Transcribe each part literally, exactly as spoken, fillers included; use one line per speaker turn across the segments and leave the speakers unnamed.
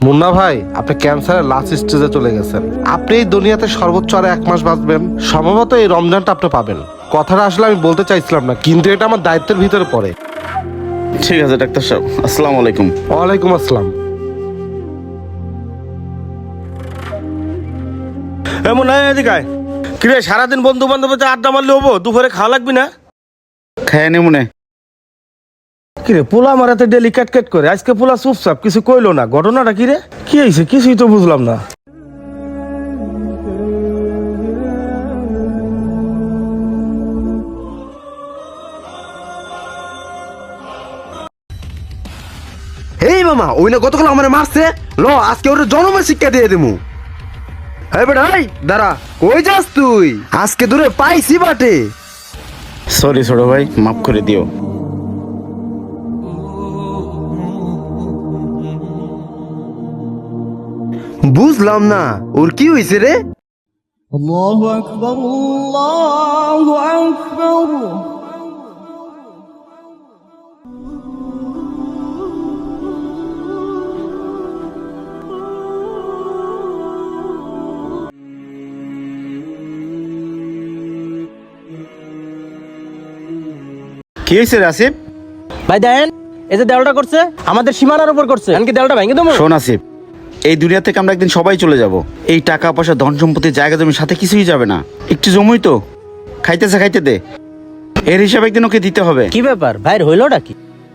মুন্না ভাই, আপনি ক্যান্সারের লাস্ট স্টেজে চলে গেছেন। আপনি এই দুনিয়াতে সর্বোচ্চ আর এক মাস বাঁচবেন। সম্ভবত এই রমজানটা আপনি পাবেন। কথাটা আসলে আমি বলতে চাইছিলাম না, কিন্তু এটা আমার দায়িত্বের ভিতরে পড়ে।
ঠিক আছে ডাক্তার সাহেব, আসসালামু আলাইকুম।
ওয়ালাইকুম আসসালাম।
এমন এদিকে কিরে, সারাদিন বন্ধু বান্ধব আড্ডা মারলে হবো? দুপুরে খাওয়া লাগবি না?
খায় নে মনে।
কিরে পোলা মারাতে ডেলি ক্যাট ক্যাট করে, আজকে পোলা চুপচাপ, কিছু কইলো না। ঘটনাটা কিরে, কি হয়েছে? কিছুই তো বুঝলাম না।
হেই মামা, ওই না গতকাল আমার মারছে। ল আজকে ওর জন্মের শিক্ষা দিয়ে দেবো। হ্যাঁ বেটা, এই দাঁড়া, কই যাস তুই? আজকে দূরে পাইছি বাটে।
সরি ছোট ভাই, মাফ করে দিও।
বুঝলাম না, ওর কি হয়েছে রে?
الله أكبر الله أكبر
কি হয়েছে রে আসিফ?
ভাই দেখেন, এই যে দেওয়ালটা করছে আমাদের সীমানার উপর করছে, এমনকি দেওয়ালটা ভেঙে দেবো।
শোন আসিফ, এই দুনিয়া থেকে আমরা একদিন সবাই চলে যাব। এই টাকা পয়সা ধন সম্পত্তি জায়গা জমির সাথে কিছুই যাবে না। একটু জমুই তো, খাইতেছে খাইতে দে। এর হিসাব একদিন ওকে দিতে হবে।
কি ব্যাপার ভাইয়ের হইলোটা কি?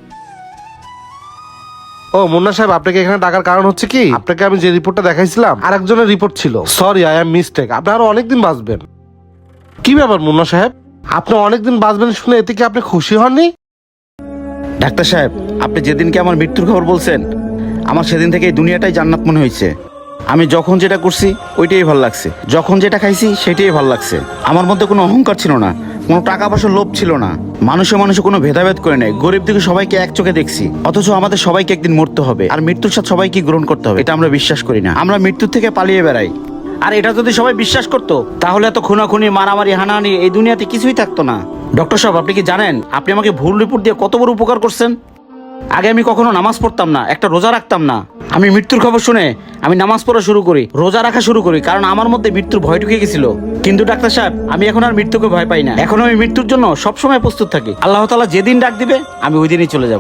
ও মুন্না সাহেব, আপনাকে এখানে ডাকার কারণ হচ্ছে কি, আপনাকে আমি যে রিপোর্টটা দেখাইছিলাম আরেকজনের রিপোর্ট ছিল। Sorry, I am mistake. আপনি আরো অনেকদিন বাঁচবেন। কি ব্যাপার মুন্না সাহেব, আপনি অনেকদিন বাঁচবেন শুনে এতে কি আপনি খুশি হননি?
ডাক্তার সাহেব, আপনি যেদিনকে আমার মৃত্যুর খবর বলছেন, আমার সেদিন থেকে এই দুনিয়াটাই জান্নাত মনে হয়েছে। আমি যখন যেটা করছি ওইটাই ভালো লাগছে, যখন যেটা খাইছি সেটাই ভালো লাগছে। আমার মধ্যে কোনো অহংকার ছিল না, কোনো টাকা পয়সার লোভ ছিল না। মানুষে মানুষে কোনো ভেদাভেদ করে নেই। গরিব দিকে সবাইকে এক চোখে দেখছি। অথচ আমাদের সবাইকে একদিন মরতে হবে, আর মৃত্যুর সাথে সবাইকে গ্রহণ করতে হবে, এটা আমরা বিশ্বাস করি না। আমরা মৃত্যুর থেকে পালিয়ে বেড়াই। আর এটা যদি সবাই বিশ্বাস করতো, তাহলে এত খুনাখুনি, মারামারি, হানাহানি এই দুনিয়াতে কিছুই থাকতো না। ডক্টর সাহেব, আপনি কি জানেন আপনি আমাকে ভুল রিপোর্ট দিয়ে কত বড় উপকার করছেন? আগে আমি কখনো নামাজ পড়তাম না, একটা রোজা রাখতাম না। আমি মৃত্যুর খবর শুনে আমি নামাজ পড়া শুরু করি, রোজা রাখা শুরু করি, কারণ আমার মধ্যে মৃত্যুর ভয় ঢুকে গেছিল। কিন্তু ডাক্তার সাহেব, আমি এখন আর মৃত্যুকে ভয় পাই না। এখন আমি মৃত্যুর জন্য সবসময় প্রস্তুত থাকি। আল্লাহ তাআলা যেদিন ডাক দিবে আমি ওই দিনই চলে যাব।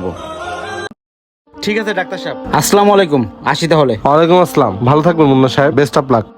ঠিক আছে ডাক্তার সাহেব, আসসালামু আলাইকুম। আসি তাহলে।
ওয়ালাইকুম আসসালাম। ভালো থাকবেন মুন্না সাহেব, বেস্ট অফ লাক।